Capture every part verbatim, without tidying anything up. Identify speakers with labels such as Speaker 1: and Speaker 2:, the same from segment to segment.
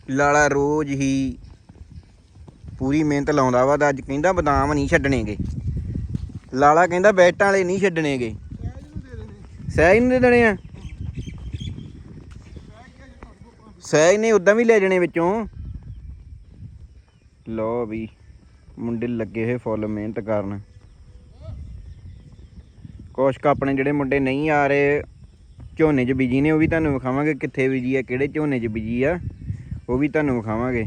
Speaker 1: ਲਾਲਾ ਰੋਜ਼ ਹੀ ਪੂਰੀ ਮਿਹਨਤ ਲਾਉਂਦਾ ਵਾ ਤਾਂ ਅੱਜ ਕਹਿੰਦਾ ਬਦਾਮ ਨਹੀਂ ਛੱਡਣੇਗੇ। ਲਾਲਾ ਕਹਿੰਦਾ ਬੈਟਾਂ ਵਾਲੇ ਨਹੀਂ ਛੱਡਣੇਗੇ। ਸਹਿਜ ਨੂੰ ਦੇ ਦੇਣੇ ਆ। ਸਹਿਜ ਨੇ ਉਦਾਂ ਵੀ ਲੈ ਜਾਣੇ ਵਿੱਚੋਂ। ਲਓ ਵੀ ਮੁੰਡੇ ਲੱਗੇ ਹੋਏ ਫੁੱਲ ਮਿਹਨਤ ਕਰਨ। ਕੁਛ ਕੁ ਆਪਣੇ ਜਿਹੜੇ ਮੁੰਡੇ ਨਹੀਂ ਆ ਰਹੇ ਝੋਨੇ 'ਚ ਬੀਜੀ ਨੇ ਉਹ ਵੀ ਤੁਹਾਨੂੰ ਵਿਖਾਵਾਂਗੇ ਕਿੱਥੇ ਬੀਜੀ ਆ, ਕਿਹੜੇ ਝੋਨੇ 'ਚ ਬੀਜੀ ਆ ਉਹ ਵੀ ਤੁਹਾਨੂੰ ਵਿਖਾਵਾਂਗੇ।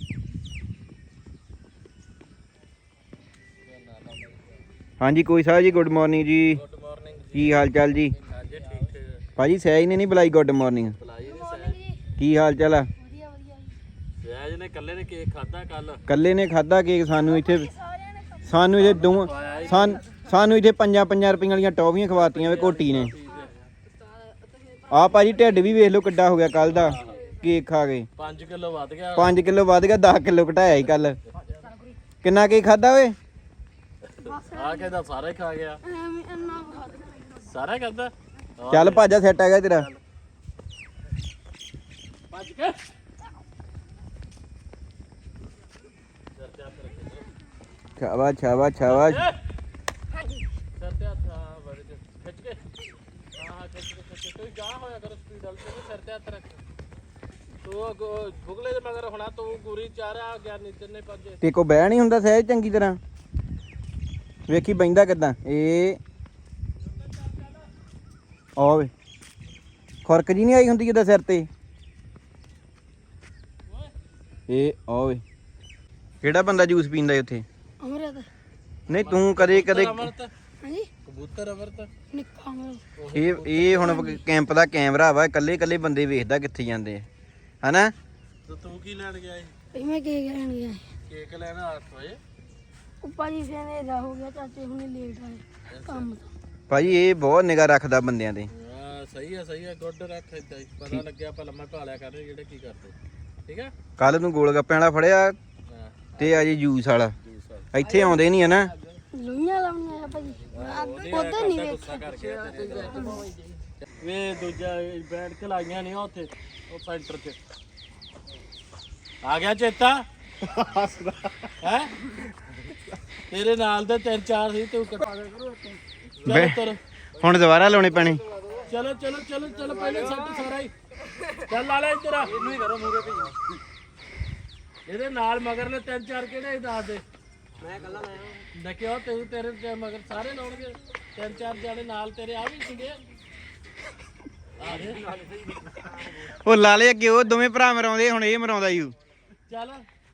Speaker 1: ਹਾਂਜੀ ਕੋਈ ਸਾਹਿਬ ਜੀ ਗੁੱਡ ਮਾਰਨਿੰਗ ਜੀ।
Speaker 2: ਗੁੱਡ ਮਾਰਨਿੰਗ ਜੀ।
Speaker 1: ਕੀ ਹਾਲ ਚਾਲ ਜੀ?
Speaker 2: ਹਾਂਜੀ ਠੀਕ ਠੀਕ
Speaker 1: ਭਾਜੀ ਸਹਿਜ ਨੇ ਨਹੀਂ ਬੁਲਾਈ ਗੁੱਡ ਮਾਰਨਿੰਗ।
Speaker 2: ਬੁਲਾਈ ਨਹੀਂ ਸਹਿਜ।
Speaker 1: ਕੀ ਹਾਲ ਚਾਲ ਆ?
Speaker 3: ਵਧੀਆ ਵਧੀਆ ਜੀ।
Speaker 2: ਸਹਿਜ ਨੇ ਕੱਲੇ ਨੇ ਕੇਕ ਖਾਦਾ ਕੱਲ।
Speaker 1: ਕੱਲੇ ਨੇ ਖਾਦਾ ਕੇਕ। ਸਾਨੂੰ ਇੱਥੇ ਸਾਨੂੰ ਇੱਥੇ ਦੋ ਸਾਨ ਸਾਨੂੰ ਇੱਥੇ ਪੰਜਾਂ ਪੰਜਾਂ ਰੁਪਈਆਂ ਵਾਲੀਆਂ ਟੌਫੀਆਂ ਖਵਾਤੀਆਂ ਵੇ ਕੋਟੀ ਨੇ। ਆ ਭਾਜੀ ਢਿੱਡ ਵੀ ਵੇਖ ਲਓ ਕਿੱਡਾ ਹੋ ਗਿਆ ਕੱਲ ਦਾ ਕੇਕ ਖਾ ਕੇ।
Speaker 2: ਪੰਜ ਕਿਲੋ ਵੱਧ ਗਿਆ।
Speaker 1: ਪੰਜ ਕਿਲੋ ਵੱਧ ਗਿਆ। ਦਸ ਕਿਲੋ ਘਟਾਇਆ ਸੀ ਕੱਲ। ਕਿੰਨਾ ਕੇਕ ਖਾਦਾ ਓਏ?
Speaker 2: ਆ ਕਹਿੰਦਾ ਸਾਰਾ ਹੀ ਖਾ ਗਿਆ।
Speaker 3: ਐਵੇਂ ਇੰਨਾ ਖਾ ਦੇ।
Speaker 2: ਸਾਰਾ ਕਰਦਾ।
Speaker 1: ਚੱਲ ਭਾਜਾ ਸੈੱਟ ਆ ਗਿਆ ਤੇਰਾ।
Speaker 2: ਭੱਜ ਕੇ
Speaker 1: ਸ਼ਾਬਾਸ਼ ਸ਼ਾਬਾਸ਼ ਸ਼ਾਬਾਸ਼।
Speaker 2: ਸਰ ਤੇ ਹੱਥ ਆ ਵੜ ਕੇ ਖਿੱਚ ਕੇ। ਹਾਂ ਹਾਂ ਖਿੱਚ ਕੇ ਖਿੱਚ ਕੇ ਤੂੰ ਜਾ ਹੋਇਆ ਕਰ ਸਪੀਡ ਵਾਲ ਤੇ ਸਿਰ ਤੇ ਹੱਥ ਰੱਖ। ਤੂੰ ਭੁਗਲੇ ਦੇ ਮਗਰ ਹੋਣਾ ਤੂੰ ਗੁਰੀ ਚਾਰਿਆ ਗਿਆ ਨੀਚੇ ਨੇ ਭੱਜੇ।
Speaker 1: ਤੇ ਕੋ ਬਹਿ ਨਹੀਂ ਹੁੰਦਾ ਸਹਿਜ ਚੰਗੀ ਤਰ੍ਹਾਂ। ਵੇਖੀ ਬੈਂਦਾ ਕਿੱਦਾਂ ਇਹ ਓਏ ਖੁਰਕ ਜੀ ਨਹੀਂ ਆਈ ਹੁੰਦੀ ਜਿੱਦਾਂ ਸਿਰ ਤੇ ਇਹ ਓਏ। ਕਿਹੜਾ ਬੰਦਾ ਜੂਸ ਪੀਂਦਾ ਉੱਥੇ?
Speaker 3: ਅਮਰਤ।
Speaker 1: ਨਹੀਂ ਤੂੰ ਕਦੇ ਕਦੇ
Speaker 2: ਅਮਰਤ
Speaker 3: ਹਾਂਜੀ
Speaker 2: ਕਬੂਤਰ ਅਮਰਤ।
Speaker 3: ਨਿੱਕਾ ਅਮਰਤ।
Speaker 1: ਇਹ ਇਹ ਹੁਣ ਕੈਂਪ ਦਾ ਕੈਮਰਾ ਵਾ ਇਕੱਲੇ ਇਕੱਲੇ ਬੰਦੇ ਵੇਖਦਾ ਕਿੱਥੇ ਜਾਂਦੇ ਆ ਹਨਾ।
Speaker 2: ਤੇ ਤੂੰ ਕੀ ਲੈਣ ਗਿਆ ਏ?
Speaker 3: ਇਹ ਮੈਂ ਕੇਕ ਲੈਣ ਗਿਆ ਸੀ।
Speaker 2: ਕੇਕ ਲੈਣਾ ਅੱਠ ਵਜੇ।
Speaker 3: ਉੱਪਰ ਜੀ ਫਿਰ ਹਨੇਰਾ ਹੋ ਗਿਆ ਚਾਚੇ ਹੁਣੇ ਲੇਟ ਆਏ ਕੰਮ ਤੋਂ।
Speaker 1: ਭਾਜੀ ਇਹ ਬਹੁਤ ਨਿਗਾਹ ਰੱਖਦਾ ਬੰਦਿਆਂ ਤੇ।
Speaker 2: ਹਾਂ ਸਹੀ ਆ ਸਹੀ ਆ ਗੁੱਡ ਰੱਖ ਏਦਾਂ ਹੀ ਪਤਾ ਲੱਗਿਆ ਆਪਾਂ ਲੰਮਾ ਭਾਲਿਆ ਕਰਦੇ ਜਿਹੜੇ ਕੀ ਕਰਦੇ ਠੀਕ ਆ।
Speaker 1: ਕੱਲ ਨੂੰ ਗੋਲ ਗੱਪਿਆਂ ਵਾਲਾ ਫੜਿਆ
Speaker 2: ਹਾਂ
Speaker 1: ਤੇ ਅੱਜ ਜੂਸ ਵਾਲਾ।
Speaker 2: ਜੂਸ ਆ
Speaker 1: ਇੱਥੇ ਆਉਂਦੇ ਨਹੀਂ ਹਨਾ।
Speaker 3: ਲੋਈਆਂ ਲਾਉਣੀਆਂ ਆ ਭਾਜੀ। ਉਧਰ ਨਹੀਂ ਵੇਖ।
Speaker 2: ਗੁੱਸਾ ਕਰ ਗਿਆ ਵੇ ਦੂਜਾ ਬੈਠ ਕੇ ਲਾਈਆਂ ਨਹੀਂ ਉੱਥੇ ਉਹ ਸੈਂਟਰ 'ਚ ਆ ਗਿਆ ਚੇਤਾ ਹੈ। ਤੇਰੇ ਨਾਲ ਦੇ ਤਿੰਨ ਚਾਰ ਸੀ ਤੂੰ ਕਟਾ ਦੇ ਕਰੋ ਚਲੋ ਤੁਰ।
Speaker 1: ਹੁਣ ਦੁਬਾਰਾ ਲਾਉਣੇ ਪੈਣੇ।
Speaker 2: ਚਲੋ ਚਲੋ ਚਲੋ ਚਲੋ ਪਹਿਲੇ ਸੱਟ ਸਾਰਾ ਹੀ ਚੱਲ ਲਾ ਲੈ ਇੱਧਰ ਆ। ਇਹਨੂੰ ਹੀ ਕਰੋ ਮੂਰੇ ਭਈ ਇਹਦੇ ਨਾਲ ਮਗਰ ਨੇ ਤਿੰਨ ਚਾਰ ਕਿਹੜੇ ਦੱਸ ਦੇ। ਮੈਂ ਕੱਲਾ ਲਾਇਆ ਦੇਖਿਓ ਤੂੰ ਤੇਰੇ ਤੇ ਮਗਰ ਸਾਰੇ ਲਾਉਣਗੇ ਤਿੰਨ ਚਾਰ ਜਾਣੇ ਨਾਲ ਤੇਰੇ ਆ ਵੀ ਸੀਗੇ। ਆ ਦੇ
Speaker 1: ਉਹ ਲਾਲੇ ਅੱਗੇ ਉਹ ਦੋਵੇਂ ਭਰਾ ਮਰਾਉਂਦੇ ਹੁਣ ਇਹ ਮਰਾਉਂਦਾ ਯੂ।
Speaker 2: ਚੱਲ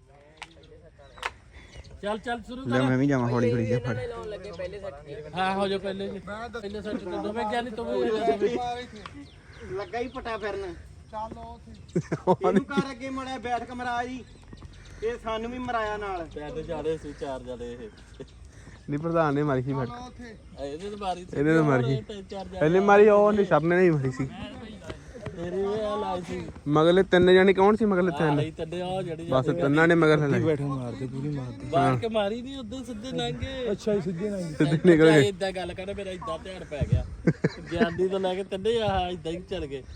Speaker 2: ਚੱਲ ਚੱਲ ਸ਼ੁਰੂ
Speaker 1: ਲੈ
Speaker 2: ਕਰ।
Speaker 1: ਮੈਂ ਵੀ ਜਾਵਾਂ ਹੌਲੀ ਹੌਲੀ ਜਿਹਾ ਫੜ।
Speaker 2: ਹਾਂ ਹੋ ਜਾ ਪਹਿਲੇ ਜੀ ਪਹਿਲੇ ਸੈੱਟ ਤੇ ਦੋਵੇਂ ਗਿਆਨੀ ਤੂੰ ਵੀ ਦੋਵੇਂ
Speaker 1: ਲੱਗਾ ਹੀ ਪਟਾ ਫਿਰਨ। ਇਹਨੂੰ ਕਰ ਅੱਗੇ ਮੜਿਆ ਬੈਠ ਕੇ ਮਰਾ ਜੀ। ਇਹ ਸਾਨੂੰ ਵੀ ਮਰਾਇਆ ਨਾਲ।
Speaker 2: ਪੈਸੇ ਜਾਦੇ ਸੀ ਚਾਰ ਜਾਦੇ ਇਹ
Speaker 4: ਨਹੀਂ ਪ੍ਰਧਾਨ ਨੇ ਮਾਰੀ ਸੀ ਫੜ।
Speaker 2: ਇਹਦੇ ਤੇ ਮਾਰੀ ਸੀ
Speaker 4: ਇਹਨੇ ਤਾਂ ਮਾਰੀ ਸੀ।
Speaker 2: ਤਿੰਨ ਚਾਰ ਜਾਣੇ
Speaker 4: ਇਹਨੇ ਮਾਰੀ ਉਹ ਨਹੀਂ ਸਭ ਨੇ ਨਹੀਂ ਮਾਰੀ ਸੀ।
Speaker 2: ਤੇਰੀ ਇਹ ਆ ਲਾਈ ਸੀ
Speaker 4: ਮਗਲੇ ਤਿੰਨ ਜਣੇ ਕੌਣ ਸੀ? ਮਗਲੇ ਤਿੰਨ
Speaker 2: ਲਈ ਤੱਡੇ ਆ ਜਿਹੜੀ
Speaker 4: ਬਸ ਤਿੰਨਾਂ ਨੇ ਮਗਰ ਲੈ
Speaker 2: ਬੈਠੇ ਮਾਰਦੇ ਪੂਰੀ ਮਾਰਦੇ ਬਾਹਰ ਕੇ ਮਾਰੀ ਨਹੀਂ ਉਦੋਂ ਸਿੱਧੇ ਲੰਘੇ। ਅੱਛਾ ਹੀ ਸਿੱਧੇ ਲੰਘੇ
Speaker 4: ਸਿੱਧੇ ਨਿਕਲ ਗਏ।
Speaker 2: ਇਦਾਂ ਗੱਲ ਕਰ ਮੇਰਾ ਇਦਾਂ ਧਿਆਨ ਪੈ ਗਿਆ ਗਿਆਨੀ ਤੋਂ ਲੈ ਕੇ ਤੱਡੇ ਆ ਇਦਾਂ ਹੀ ਚੱਲ ਗਏ।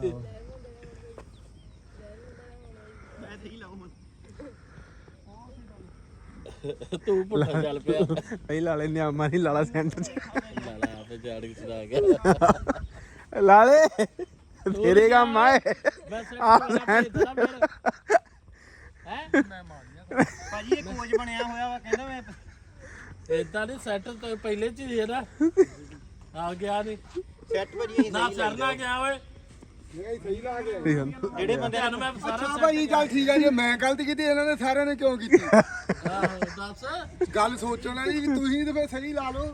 Speaker 2: ਤੂੰ ਪੁੱਠਾ ਚੱਲ ਪਿਆ
Speaker 4: ਪਹਿਲਾਂ ਲਾਲੇ ਨੇ ਆਮਾ ਨਹੀਂ ਲਾਲਾ ਸੈਂਟਰ ਚ
Speaker 2: ਲਾਲਾ ਆਪੇ ਜਾੜ ਕੇ ਚਲਾ ਗਿਆ।
Speaker 4: ਲਾਲੇ ਤੇਰੇ ਕੰਮ ਆਏ।
Speaker 2: ਮੈਂ ਸੈਂਟਰ ਮੇਰਾ ਹੈ ਮੈਂ ਮਾਰੀਆਂ
Speaker 1: ਭਾਜੀ ਇਹ ਕੋਚ ਬਣਿਆ ਹੋਇਆ ਵਾ ਕਹਿੰਦਾ ਮੈਂ
Speaker 2: ਇਦਾਂ ਨਹੀਂ ਸੈਂਟਰ ਤੋਂ ਪਹਿਲੇ ਚ ਹੀ ਹੈ ਨਾ ਆ ਗਿਆ ਨਹੀਂ
Speaker 1: ਸੈੱਟ ਭਾਜੀ
Speaker 2: ਨਾ ਸਰਨਾ ਗਿਆ ਓਏ
Speaker 1: ਜਿਹੜੇ ਬੰਦੇ
Speaker 2: ਨੂੰ ਮੈਂ ਸਾਰਾ
Speaker 5: ਅੱਛਾ ਭਾਈ ਚੱਲ ਠੀਕ ਆ ਜੇ ਮੈਂ ਗਲਤੀ ਕੀਤੀ ਇਹਨਾਂ ਨੇ ਸਾਰਿਆਂ ਨੇ ਕਿਉਂ ਕੀਤੀ?
Speaker 2: ਆਹੋ ਦੱਸ
Speaker 5: ਗੱਲ ਸੋਚਣ ਵਾਲੀ ਵੀ ਤੁਸੀਂ ਤੇ ਫੇਰ ਸਹੀ ਲਾ ਲਓ।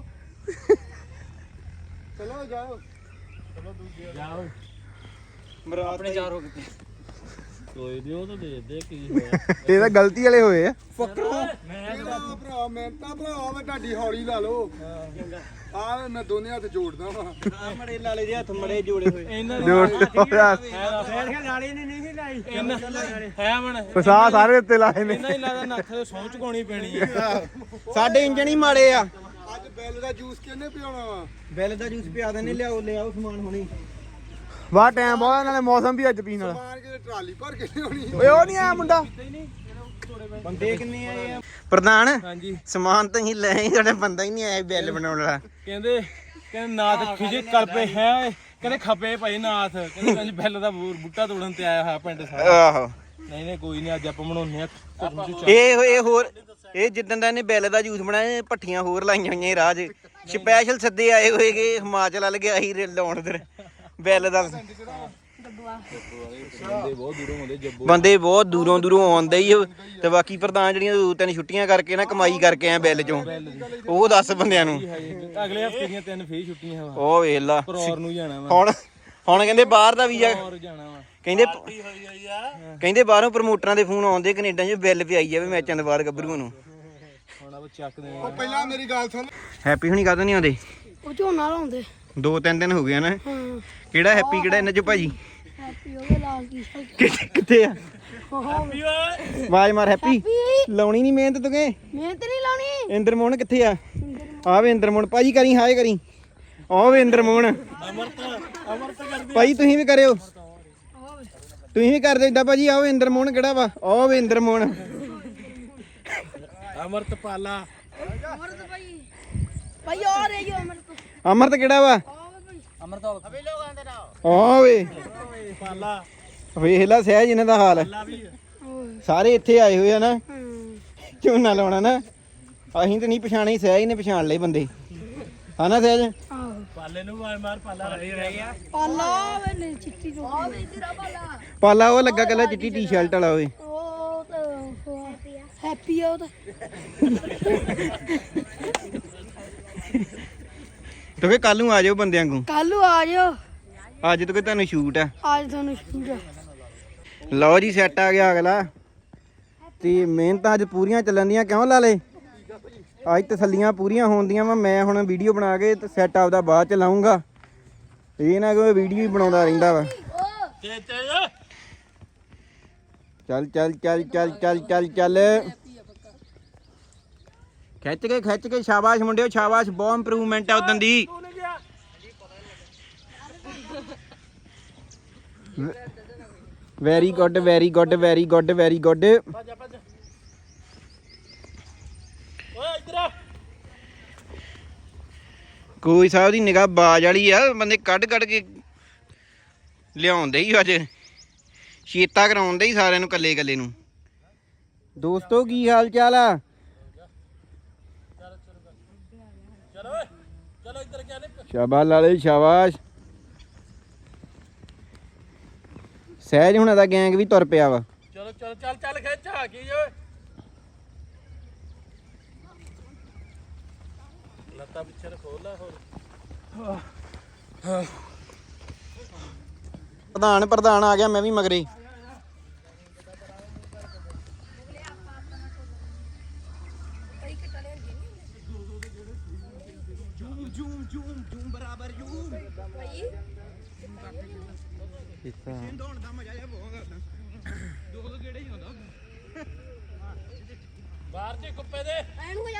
Speaker 5: ਚਲੋ ਜਾਓ।
Speaker 2: ਜਾਓ
Speaker 1: ਮਰਾ ਆਪਣੇ ਚਾਰ ਹੋ ਗਏ।
Speaker 2: ਕੋਈ ਨਹੀਂ ਉਹ ਤਾਂ ਦੇ ਦੇ ਕੀ ਹੋਇਆ।
Speaker 4: ਇਹ ਤਾਂ ਗਲਤੀ ਵਾਲੇ ਹੋਏ ਆ।
Speaker 2: ਮੈਂ
Speaker 5: ਭਰਾ ਭਰਾ ਮੈਂ ਤਾਂ ਭਰਾ ਮੈਂ ਤੁਹਾਡੀ ਹੌਲੀ ਲਾ ਲਓ। ਆ ਮੈਂ ਦੋਨੇ ਹੱਥ ਜੋੜਦਾ ਵਾਂ।
Speaker 1: ਮੜੇ ਲਾਲੇ ਦੇ ਹੱਥ ਮੜੇ ਜੋੜੇ ਹੋਏ।
Speaker 2: ਇਹਨਾਂ
Speaker 4: ਜੋੜ
Speaker 1: ਫੇਰ ਕੇ ਲਾਲੇ ਨੇ ਨਹੀਂ ਲਾਈ।
Speaker 2: ਹੈ ਮਣ
Speaker 4: ਫਸਾ ਸਾਰੇ ਉੱਤੇ ਲਾਏ ਨੇ।
Speaker 2: ਇਹਨਾਂ ਹੀ ਲੱਗਦਾ ਨੱਥ ਤੇ ਸੌਂ ਚੁਕਾਉਣੀ ਪੈਣੀ ਹੈ।
Speaker 1: ਸਾਡੇ ਇੰਜਣ ਹੀ ਮਾੜੇ ਆ।
Speaker 5: ਅੱਜ ਬਿੱਲ ਦਾ ਜੂਸ ਕਿਹਨੇ ਪਿਆਉਣਾ ਵਾ?
Speaker 1: ਬਿੱਲ ਦਾ ਜੂਸ ਪਿਆ ਦੇਣੇ ਲਿਆਓ ਲਿਆਓ ਸਮਾਨ ਹੁਣੀ।
Speaker 4: ਵਾਹ ਟਾਈਮ ਬਹੁਤ ਨਾਲੇ ਮੌਸਮ ਵੀ ਅੱਜ ਪੀਣ ਵਾਲਾ
Speaker 5: ਮਾਰ ਕੇ ਟਰਾਲੀ ਭਰ ਕੇ ਲਿਆਉਣੀ
Speaker 4: ਓਏ ਉਹ ਨਹੀਂ ਆਇਆ ਮੁੰਡਾ
Speaker 1: ਬੰਦੇ ਕਿੰਨੇ ਆਏ ਆ ਪ੍ਰਧਾਨ
Speaker 2: ਹਾਂਜੀ
Speaker 1: ਸਮਾਨ ਤਾਂ ਹੀ ਲੈ ਆਏ ਤੁਹਾਡਾ ਬੰਦਾ ਹੀ ਨਹੀਂ ਆਇਆ ਬਿੱਲ ਬਣਾਉਣ ਵਾਲਾ
Speaker 2: ਕਹਿੰਦੇ ਕਹਿੰਦੇ ਨਾਥ ਖਿਜੇ ਕਲਪੇ ਹੈ ਕਹਿੰਦੇ ਖਪੇ ਭਾਈ ਨਾਥ ਕਹਿੰਦੇ ਕੰਜ ਬੈਲ ਦਾ ਬੂ- ਬੂਟਾ ਤੋੜਨ ਤੇ ਆਇਆ ਹੋਇਆ ਪਿੰਡ ਸਾਰਾ
Speaker 1: ਆਹੋ
Speaker 2: ਨਹੀਂ ਨਹੀਂ ਕੋਈ ਨਹੀਂ ਅੱਜ ਆਪਾਂ ਬਣਾਉਂਦੇ ਆ
Speaker 1: ਇਹ ਇਹ ਹੋਰ ਇਹ ਜਿੱਦਣ ਦਾ ਇਹਨੇ ਬਿੱਲ ਦਾ ਜੂਸ ਬਣਾਇਆ ਪੱਠੀਆਂ ਹੋਰ ਲਾਈਆਂ ਹੋਈਆਂ ਇਹ ਰਾਹ 'ਚ ਸਪੈਸ਼ਲ ਸੱਦੇ ਆਏ ਹੋਏਗੇ ਹਿਮਾਚਲ ਵੱਲ ਗਿਆ ਸੀ ਲਾਉਣ ਦਰ ਬਿੱਲ ਦਾ ਬੰਦੇ ਬਹੁਤ ਦੂਰੋਂ ਦੂਰੋਂ ਆਉਂਦੇ ਹੀ ਤੇ ਬਾਕੀ ਪ੍ਰਧਾਨ ਜਿਹੜੀਆਂ ਦੋ ਤਿੰਨ ਛੁੱਟੀਆਂ ਕਰਕੇ ਨਾ ਕਮਾਈ ਕਰਕੇ ਆ ਬਿੱਲ ਚੋਂ ਉਹ ਦੱਸ ਬੰਦਿਆਂ ਨੂੰ
Speaker 2: ਅਗਲੇ ਹਫਤੇ ਦੀਆਂ ਤਿੰਨ ਫੇਰ ਛੁੱਟੀਆਂ ਵਾ
Speaker 1: ਉਹ ਵੇਖ ਲਾ
Speaker 2: ਪਰੌਰ ਨੂੰ ਜਾਣਾ ਵਾ
Speaker 1: ਹੁਣ ਹੁਣ ਕਹਿੰਦੇ ਬਾਹਰ ਦਾ ਵੀਜ਼ਾ
Speaker 2: ਪਰੌਰ ਜਾਣਾ ਵਾ
Speaker 1: ਕਹਿੰਦੇ ਕਹਿੰਦੇ ਬਾਹਰੋਂ ਪ੍ਰਮੋਟਰਾਂ ਦੇ ਫੋਨ ਆਉਂਦੇ ਕੈਨੇਡਾ 'ਚ ਬਿੱਲ ਪਿਆਈ ਜਾਵੇ ਮੈਚਾਂ ਦੇ ਬਾਅਦ ਗੱਭਰੂਆਂ ਨੂੰ
Speaker 2: ਹੁਣ ਆਪਾਂ ਚੱਕਦੇ
Speaker 5: ਉਹ ਪਹਿਲਾਂ ਮੇਰੀ ਗੱਲ ਸੁਣ
Speaker 1: ਹੈਪੀ ਹੁਣੀ ਕਾਹਤੋਂ ਨਹੀਂ ਆਉਂਦੇ
Speaker 3: ਉਹ ਝੋਨਾ ਲਾਉਂਦੇ
Speaker 1: ਦੋ ਤਿੰਨ ਦਿਨ ਹੋ ਗਏ ਨਾ
Speaker 3: ਹਾਂ
Speaker 1: ਕਿਹੜਾ ਹੈਪੀ ਕਿਹੜਾ ਇਹਨਾਂ 'ਚ ਭਾਜੀ
Speaker 3: ਹੈਪੀ ਹੋ ਗਿਆ ਲਾਲ ਟੀ-ਸ਼ਰਟ
Speaker 1: ਕਿੱਥੇ ਕਿੱਥੇ ਆ
Speaker 2: ਹੈਪੀ ਓਏ
Speaker 1: ਆਵਾਜ਼ ਮਾਰ ਹੈਪੀ
Speaker 3: ਹੈਪੀ
Speaker 1: ਲਾਉਣੀ ਨਹੀਂ ਮਿਹਨਤ ਤੂੰ ਕਿ
Speaker 3: ਮਿਹਨਤ ਨਹੀਂ ਲਾਉਣੀ
Speaker 1: ਇੰਦਰ ਮੋਹਨ ਕਿੱਥੇ ਆ ਆ ਵੇ ਇੰਦਰ ਮੋਹਨ ਭਾਜੀ ਕਰੀ ਹਾਏ ਕਰੀ ਆ ਵੇ ਇੰਦਰ ਮੋਹਨ
Speaker 2: ਅਮਰਤ ਅਮਰਤ ਕਰਦੀ
Speaker 1: ਭਾਈ ਤੁਸੀਂ ਵੀ ਕਰਿਓ ਤੁਸੀਂ ਵੀ ਕਰਦੇ ਇਦਾਂ ਭਾਜੀ ਆਓ ਇੰਦਰ ਮੋਹਨ ਕਿਹੜਾ ਵਾ ਆ ਵੇ ਇੰਦਰ ਮੋਹਨ
Speaker 2: ਅਮਰਤ ਪਾਲਾ
Speaker 3: ਅਮਰਤ ਭਾਈ ਭਾਈ ਆ ਰਹੀ ਹੋ ਅਮਰਤ
Speaker 1: ਅਮਰਤ ਕਿਹੜਾ ਵਾ
Speaker 2: ਅਮਰਤ ਅਬੇ ਲੋਕਾਂ ਦੇ ਨਾਲ
Speaker 1: ਆ ਵੇ
Speaker 2: ਪਾਲਾ
Speaker 1: ਵੇਖ ਲੈ ਸਹਿਜ ਇਹਨਾਂ ਦਾ ਹਾਲ ਸਾਰੇ ਇੱਥੇ ਆਏ ਹੋਏ ਆ ਨਾ
Speaker 3: ਹੂੰ
Speaker 1: ਝੋਨਾ ਲਾਉਣਾ ਨਾ ਅਸੀਂ ਤੇ ਨਹੀਂ ਪਛਾਣੇ ਸਹਿਜ ਨੇ ਪਛਾਣ ਲਏ ਬੰਦੇ ਹਨਾ ਸਹਿਜ
Speaker 3: ਆਹੋ
Speaker 2: ਪਾਲੇ ਨੂੰ ਮਾਰ ਮਾਰ ਪਾਲਾ ਰਹਿ ਰਹਿ ਗਿਆ
Speaker 3: ਪਾਲਾ ਵੇ ਨਹੀਂ ਚਿੱਟੀ ਜੋ ਆ ਵੇ ਤੇਰਾ ਪਾਲਾ
Speaker 1: ਪਾਲਾ ਉਹ ਲੱਗਾ ਕੱਲਾ ਚਿੱਟੀ ਟੀ-ਸ਼ਰਟ ਵਾਲਾ ਓਏ
Speaker 3: ਉਹ ਤਾਂ ਹੈਪੀ ਆ ਉਹ ਤਾਂ
Speaker 1: ਤੋ ਕਿ ਕੱਲ ਨੂੰ ਆ ਜਾਓ ਬੰਦਿਆਂ ਨੂੰ
Speaker 3: ਕੱਲ ਨੂੰ ਆ ਜਾਓ
Speaker 1: ਅੱਜ ਤੋਂ ਕਿ ਤੁਹਾਨੂੰ ਸ਼ੂਟ ਆ
Speaker 3: ਅੱਜ ਤੁਹਾਨੂੰ ਸ਼ੂਟ ਆ
Speaker 1: ਲਓ ਜੀ ਸੈੱਟ ਆ ਗਿਆ ਅਗਲਾ ਤੇ ਮਿਹਨਤਾਂ ਅੱਜ ਪੂਰੀਆਂ ਚੱਲਣ ਦੀਆਂ ਕਿਉਂ ਲਾ ਲੇ ਅੱਜ ਤਸੱਲੀਆਂ ਪੂਰੀਆਂ ਹੋਣਦੀਆਂ ਵਾ ਮੈਂ ਹੁਣ ਵੀਡੀਓ ਬਣਾ ਕੇ ਤੇ ਸੈੱਟ ਆਪਦਾ ਬਾਅਦ ਚ ਲਾਉਂਗਾ ਇਹ ਨਾ ਕਿ ਵੀਡੀਓ ਹੀ ਬਣਾਉਂਦਾ ਰਹਿੰਦਾ ਵਾ
Speaker 2: ਤੇ ਤੇ
Speaker 1: ਚੱਲ ਚੱਲ ਚੱਲ ਚੱਲ ਚੱਲ ਚੱਲ ਚੱਲ ਖਿੱਚ ਕੇ ਖਿੱਚ ਕੇ ਸ਼ਾਬਾਸ਼ ਮੁੰਡਿਓ ਸ਼ਾਬਾਸ਼ ਬਹੁਤ ਇੰਪਰੂਵਮੈਂਟ ਆ ਉਦੋਂ ਦੀ very good very good very good very good
Speaker 2: ਭੱਜ ਭੱਜ ਓਏ ਇੱਧਰ ਆ
Speaker 1: ਕੋਈ ਸਾਹਿਬ ਦੀ ਨਿਗਾਹ ਬਾਜ ਵਾਲੀ ਆ ਬੰਦੇ ਕੱਢ ਕੱਢ ਕੇ ਲਿਆਉਂਦੇ ਹੀ ਅੱਜ ਸ਼ੀਤਾ ਕਰਾਉਂਦੇ ਹੀ ਸਾਰਿਆਂ ਨੂੰ ਕੱਲੇ ਕੱਲੇ ਨੂੰ ਦੋਸਤੋ ਕੀ ਹਾਲ ਚਾਲ ਆ
Speaker 2: ਚਲੋ ਓਏ ਚਲੋ ਇੱਧਰ ਕਿਆ ਨੇ
Speaker 1: ਸ਼ਾਬਾਸ਼ ਲਾਲੇ ਸ਼ਾਬਾਸ਼ ਸਹਿਜ ਹੁਣਾਂ ਦਾ ਗੈਂਗ ਵੀ ਤੁਰ ਪਿਆ ਵਾ
Speaker 2: ਚਲੋ ਚਲੋ ਚੱਲ ਚੱਲ ਖਿੱਚ ਆ ਕੀ ਓਏ ਲੱਤਾਂ ਪਿੱਛੇ ਨੂੰ ਖੋਲ ਲੈ ਹੋਰ
Speaker 1: ਪ੍ਰਧਾਨ ਪ੍ਰਧਾਨ ਆ ਗਿਆ ਮੈਂ ਵੀ ਮਗਰੇ
Speaker 2: ਬਾਹਰ ਤੇ ਕੁੱਪੇ ਦੇ
Speaker 3: ਐਨੂੰ ਹੋ ਜਾ